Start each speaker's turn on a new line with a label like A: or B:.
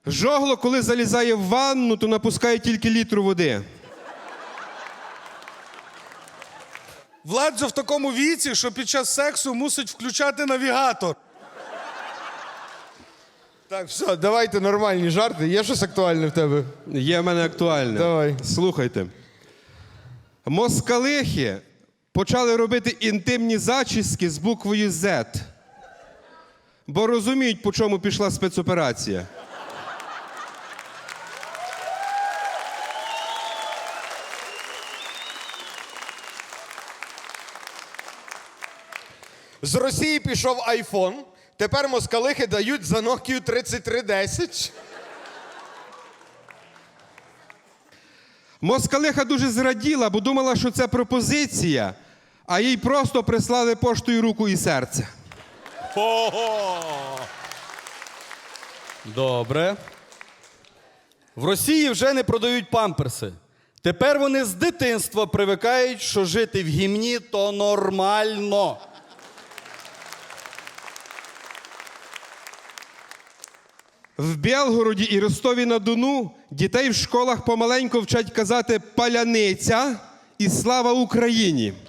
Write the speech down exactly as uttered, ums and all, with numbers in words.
A: Жогло, коли залізає в ванну, то напускає тільки літру води.
B: Владзо в такому віці, що під час сексу мусить включати навігатор.
C: Так, все, давайте нормальні жарти. Є щось актуальне в тебе?
A: Є в мене актуальне.
C: Давай.
A: Слухайте. Москалихи почали робити інтимні зачіски з буквою «З». Бо розуміють, по чому пішла спецоперація.
C: З Росії пішов айфон, тепер москалихи дають за Nokia тридцять три десять.
A: Москалиха дуже зраділа, бо думала, що це пропозиція, а їй просто прислали поштою руку і серце.
D: Ого! Добре. В Росії вже не продають памперси. Тепер вони з дитинства привикають, що жити в гімні – то нормально.
A: В Білгороді і Ростові-на-Дону дітей в школах помаленьку вчать казати «паляниця» і «слава Україні».